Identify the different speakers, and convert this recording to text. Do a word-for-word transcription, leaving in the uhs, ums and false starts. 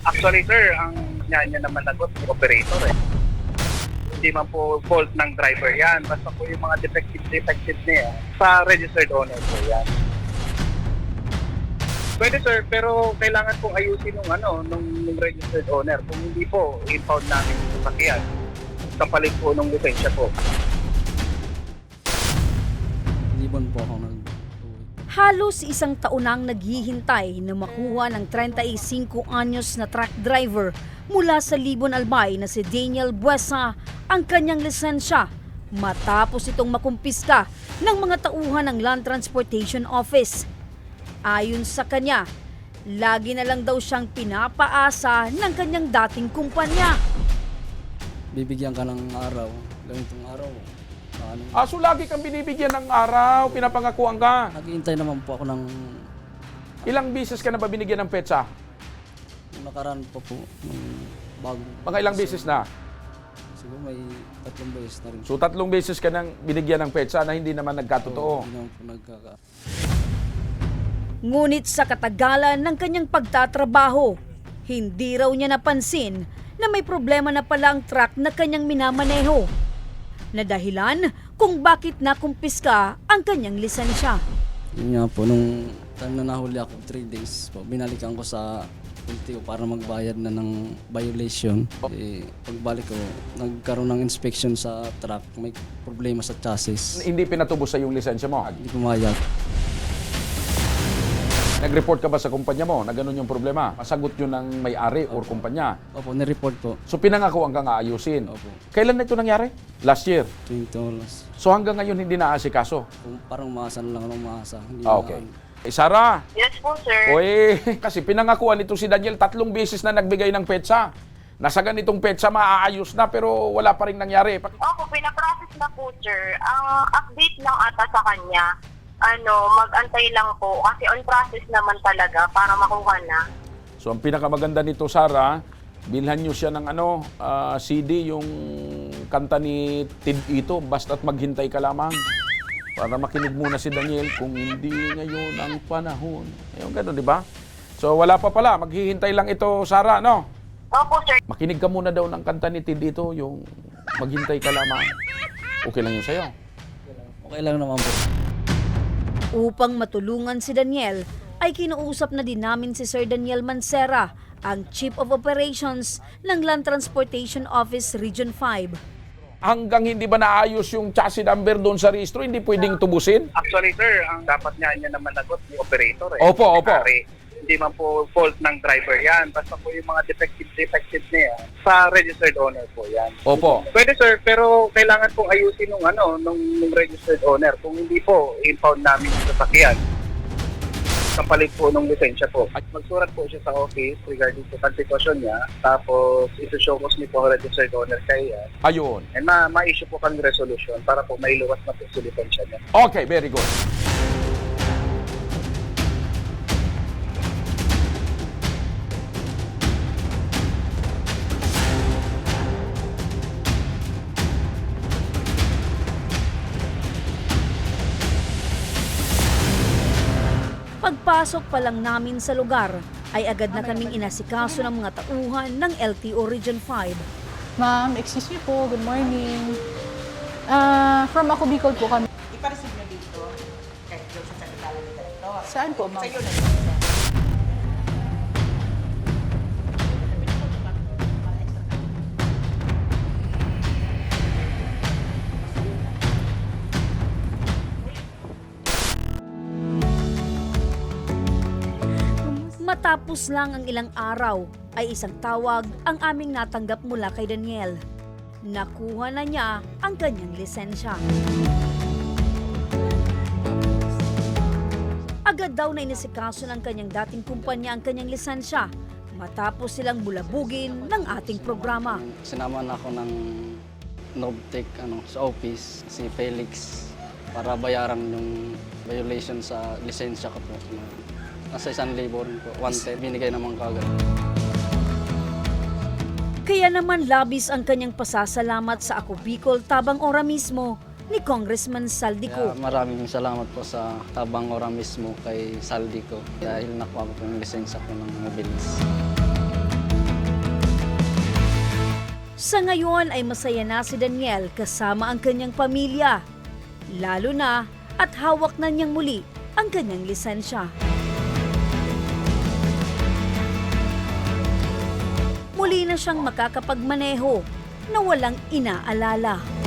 Speaker 1: Actually, sir, ang niya niya naman nagot yung operator eh. Hindi man po fault ng driver yan. Basta po yung mga defective defective niya sa registered owner po yan. Pwede sir, pero kailangan pong ayusin nung ano, nung, nung registered owner. Kung hindi po, impound namin yung sasakyan. Kapalit po nung lisensya po.
Speaker 2: Libon po ako nag
Speaker 3: Halos isang taon nang naghihintay na makuha ng thirty-five anyos na truck driver mula sa Libon Albay na si Daniel Buesa ang kanyang lisensya matapos itong makumpiska ng mga tauhan ng Land Transportation Office. Ayon sa kanya, lagi na lang daw siyang pinapaasa ng kanyang dating kumpanya.
Speaker 2: bibigyan ka ng araw, ganitong araw. Ano,
Speaker 4: Ah, so lagi kang binibigyan ng araw, pinapangakuan ka.
Speaker 2: naghihintay naman po ako ng
Speaker 4: Ilang bisis ka na ba binigyan ng petsa?
Speaker 2: ng nakaraan pa po ng bago.
Speaker 4: Mga ilang bisis na?
Speaker 2: Siguro may tatlong beses na rin.
Speaker 4: So tatlong beses ka nang binigyan ng petsa na hindi naman nagkatotoo.
Speaker 2: Hindi naman po nagkaka...
Speaker 3: Ngunit sa katagalan ng kanyang pagtatrabaho, hindi raw niya napansin na may problema na pala ang truck na kanyang minamaneho, na dahilan kung bakit nakumpiska ang kanyang lisensya.
Speaker 2: Yun nga po, nung time na nahuli ako, three days po, binalikan ko sa L T O para magbayad na ng violation. Eh, pagbalik ko, nagkaroon ng inspection sa truck, may problema sa chassis.
Speaker 4: Hindi pinatubos sa yung lisensya mo.
Speaker 2: Hindi pumayag.
Speaker 4: Nag-report ka ba sa kumpanya mo na ganun yung problema? Masagot yun ng may-ari or kumpanya.
Speaker 2: Opo, nireport po.
Speaker 4: So pinangakuan ka nga ayusin.
Speaker 2: Opo,
Speaker 4: Kailan na ito nangyari? Last year.
Speaker 2: twenty dollars.
Speaker 4: So hanggang ngayon hindi naasikaso.
Speaker 2: Kung parang maasa na lang ako maasa. Hindi
Speaker 4: Ah,
Speaker 2: na-
Speaker 4: okay. Eh, Sarah,
Speaker 5: Yes po, sir.
Speaker 4: oy, kasi pinangakuan ito si Daniel tatlong beses na nagbigay ng petsa. Nasa ganitong petsa maaayos na pero wala pa rin nangyari. Pa-
Speaker 5: Opo, pinaprocess na po, sir. Ang update lang ata sa kanya, ano, mag-antay lang po kasi on process naman talaga para makuha na.
Speaker 4: So ang pinakamaganda nito, Sarah, bilhan nyo siya ng ano, ah, C D, yung kanta ni Tid Ito, basta't maghintay ka lamang. Para makinig muna si Daniel kung hindi ngayon ang panahon. Ayun, gano'n, di ba? So wala pa pala, maghihintay lang ito, Sarah, no?
Speaker 5: Opo, sir.
Speaker 4: Makinig ka muna daw ng kanta ni Tid Ito, yung maghintay ka lamang. Okay lang yun sa'yo.
Speaker 2: Okay lang naman po.
Speaker 3: Upang matulungan si Daniel, ay kinuusap na din namin si Sir Daniel Mancera, ang Chief of Operations ng Land Transportation Office Region five.
Speaker 4: Hanggang hindi ba naayos yung chassis number doon sa registro, hindi pwedeng tubusin?
Speaker 1: Actually, sir, ang dapat niya niya naman nagot yung operator eh.
Speaker 4: Opo, opo.
Speaker 1: May-ari. Hindi man po fault ng driver yan. Basta po yung mga defective defective niya sa registered owner po yan.
Speaker 4: Opo.
Speaker 1: Pwede sir, pero kailangan pong ayusin nung ano, nung, nung registered owner. Kung hindi po, impound namin yung sasakyan. Kapalit po nung lisensya po. At magsurat po siya sa office regarding sa sitwasyon niya. Tapos isi-show ko niyo po ang registered owner kaya.
Speaker 4: Ayun.
Speaker 1: And ma- ma-issue po kami resolution para po mailuwas na po sa lisensya niya.
Speaker 4: Okay, very good.
Speaker 3: Pagpasok pa lang namin sa lugar, ay agad na kaming inasikaso ng mga tauhan ng L T O Region five.
Speaker 6: Ma'am, excuse me po, good morning. Ah, from ako Bicol po kami.
Speaker 7: Ipareceive nyo dito kahit doon sa Secretary ni Director.
Speaker 6: Saan po, ma'am?
Speaker 7: Sa iyo na
Speaker 3: Matapos lang ang ilang araw, ay isang tawag ang aming natanggap mula kay Daniel. Nakuha na niya ang kanyang lisensya. Agad daw na inisikaso ng kanyang dating kumpanya ang kanyang lisensya matapos silang bulabugin ng ating programa.
Speaker 2: Sinama na ako ng Novtech ano, sa office, si Felix, para bayaran yung violation sa lisensya ko po. Nasa isang libo rin po. One time, binigay naman kagad.
Speaker 3: Kaya naman labis ang kanyang pasasalamat sa Ako Bicol Tabang Ora mismo ni Congressman Saldico.
Speaker 2: Kaya maraming salamat po sa Tabang Ora mismo kay Saldico dahil nakuha ko po yung lisensya ko ng mabilis.
Speaker 3: Sa ngayon ay masaya na si Daniel kasama ang kanyang pamilya. Lalo na at hawak na niyang muli ang kanyang lisensya. Muli na siyang makakapagmaneho na walang inaalala.